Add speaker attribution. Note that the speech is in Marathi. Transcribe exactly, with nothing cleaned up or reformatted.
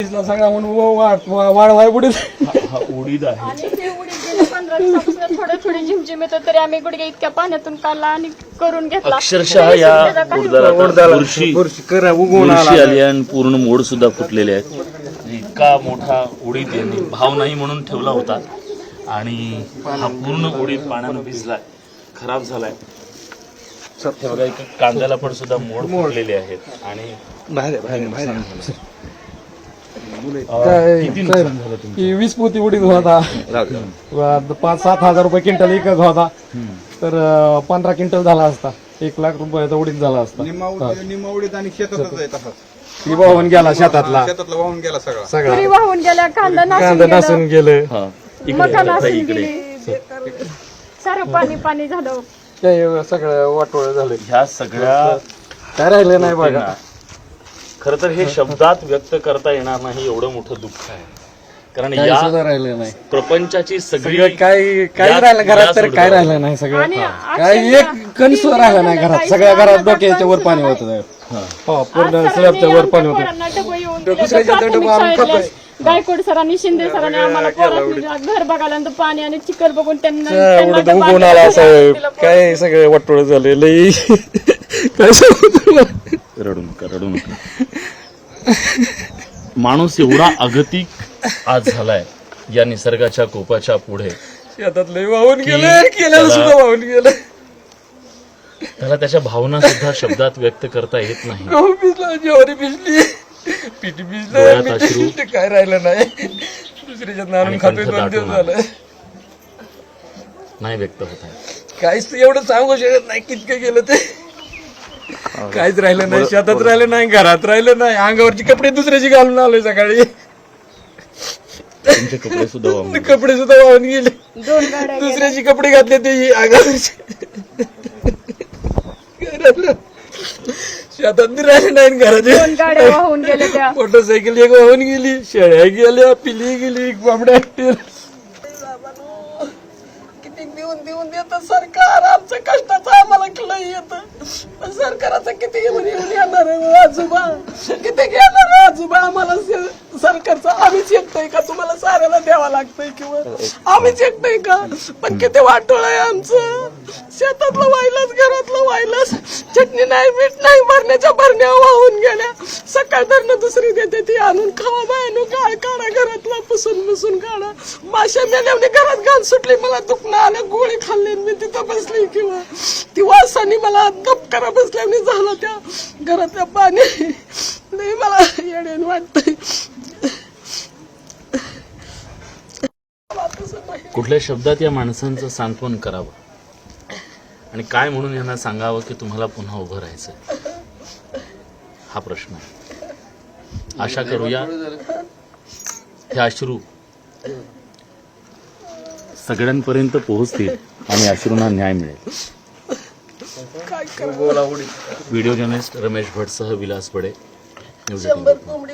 Speaker 1: भिजला सगळा म्हणून वाढवाय उडीद
Speaker 2: हा उडीद आहे.
Speaker 3: आणि ते उडीद गेले पंधरा दिवसापासून थोडं थोडी झिमझिम येत तरी आम्ही गुडघे इतक्या पाण्यातून काढला आणि करून घेतला.
Speaker 2: अक्षरशः या उडदाला बुरशी बुरशी आली आणि पूर्ण मोड सुद्धा फुटलेले आहेत. इतका मोठा उडीद यांनी भाव नाही म्हणून ठेवला होता आणि हा पूर्ण उडीद पाण्यानं भिजलाय, खराब झालाय. हे बघा इथे कांद्याला पण सुद्धा मोड फुटलेले आहेत आणि किती नुकसान झालं तुमचं?
Speaker 1: वीस पोती उडीद होता, पाच सात हजार रुपये क्विंटल एकच होता, तर पंधरा क्विंटल झाला असता, एक लाख रुपयाचा उडीद झाला असता.
Speaker 4: निम्मा उडीद आणि शेतातच आहे तसंच.
Speaker 1: ती वाहून गेला शेतातला
Speaker 4: शेतातला वाहून गेला सगळा
Speaker 1: सगळा
Speaker 3: तुरी वाहून गेल्या, कांदा
Speaker 1: कांदा
Speaker 3: नासून
Speaker 1: नासून
Speaker 3: गेलं,
Speaker 1: गेलं,
Speaker 2: हा इकडे
Speaker 3: मका
Speaker 2: आता
Speaker 3: नासून
Speaker 2: इकडे
Speaker 3: गेली, सारं पाणी पाणी झालं.
Speaker 1: ते सगळं वाटोळ झालं,
Speaker 2: ह्या सगळ्या
Speaker 1: काय राहिलं नाही बघा.
Speaker 2: खर तर हे शब्दात व्यक्त करता येणार नाही एवढं मोठं दुःख आहे. कारण
Speaker 1: काही
Speaker 2: या
Speaker 1: सुद्धा राहिलं नाही,
Speaker 2: प्रपंचाची सगळी
Speaker 1: सगळं काय काय
Speaker 2: या-
Speaker 1: राहिलं घरात,
Speaker 2: या
Speaker 1: तर काय
Speaker 2: सोडलं.
Speaker 1: राहिलं नाही सगळं.
Speaker 3: आणि
Speaker 1: काय एक कण सुद्धा राहिला नाही घरात, सगळ्या घरात डोक्याच्या वर पाणी होत हो, पूर्ण स्लॅबच्या वर पाणी होतं. दुसऱ्याच्या डबा आम्ही खातोय.
Speaker 3: गायकवाड सरांनी, शिंदे सरांनी आम्हाला पोरांनी घर बघायला पाणी आणि चिखल बघून त्यांना
Speaker 1: एवढं
Speaker 3: त्यांना
Speaker 1: उगवून आला असं काय सगळे वाटोळ झाले लई काय सांगू तुला.
Speaker 2: रडू नका रडू नका. माणूस एवढा अगतिक आज झालाय या निसर्गाच्या कोपाच्या पुढे,
Speaker 1: शेतात लई वाहून
Speaker 2: की
Speaker 1: गेलं, केलेलं
Speaker 2: त्याला-
Speaker 1: सुद्धा वाहून गेलं.
Speaker 2: त्याला त्याच्या भावना सुद्धा शब्दात व्यक्त करता येत नाही.
Speaker 1: गहू भिजला, ज्वारी भिजली, पीठ
Speaker 2: डोळ्यात
Speaker 1: भिजलं,
Speaker 2: अश्रू.
Speaker 1: मीठ काय राहिलं नाही. दुसऱ्याच्यात नाणून
Speaker 2: आणि
Speaker 1: खातोय,
Speaker 2: कंठ
Speaker 1: दोन दिवस
Speaker 2: दाटून
Speaker 1: झालं.
Speaker 2: नाही व्यक्त होत आहे.
Speaker 1: काहीच एवढं सांगू शकत नाही कितकं गेलं ते. काहीच राहिलं नाही, शेतात राहिलं नाही, घरात राहिलं नाही, अंगावरची कपडे दुसऱ्याची घालून आलोय सकाळी.
Speaker 2: तुमचे कपडे सुद्धा वाहून गेले.
Speaker 1: कपडे सुद्धा वाहून गेले,
Speaker 3: दोन गाड्या
Speaker 1: दुसऱ्याची कपडे घातले ते अंगावरचे. घरातलं शेतात बी राहिले नाही,
Speaker 3: दोन
Speaker 1: घरात
Speaker 3: गाड्या वाहून गेल्या त्या.
Speaker 1: मोटरसायकल एक वाहून गेली, शेळ्या गेल्या, पिली गेली, बाबड्या किती देऊन देऊन देत सरकार. आमचं कष्टाचं आम्हाला लय येतं, पण सरकाराचं किती येऊन येऊन येणार आहे आजोबा, किती घेणार आहे आजोबा आम्हाला सरकारचं. आम्हीच एकटंय का तुम्हाला साऱ्याला द्यावा लागतंय किंवा आम्हीच एकटंय का? पण किती वाटोळ आहे आमचं. शेतातलं वाहिलंच, घरातलं वाहिलंच, चटणी नाही, मीठ नाही, भरण्याच्या भरण्या वाहून गेल्या. सकाळ धरणं दुसरी देते ती आणून खावा बायनो, गाळ काढा घरातला, पुसून पुसून काढा. माश्या मेल्याने घरात घाण सुटली, मला दुखणं आलं, गोळी खाल्ली, मी तिथं बसली किंवा ती वासानी मला दपकारा बसल्याने झाला त्या घरातल्या पाणी. नाही मला येडेन वाटतंय.
Speaker 2: कुठल्या शब्दात या माणसांचं सांत्वन करावं आणि काय म्हणून यांना सांगावं की तुम्हाला पुन्हा उभं राहायचंय, हा प्रश्न आहे. आशा करूया हे अश्रू सगळ्यांपर्यंत पोहोचतील आणि अश्रूंना न्याय मिळेल. व्हिडिओ जर्नलिस्ट रमेश भटसह विलास बडे, न्यूज एटीन.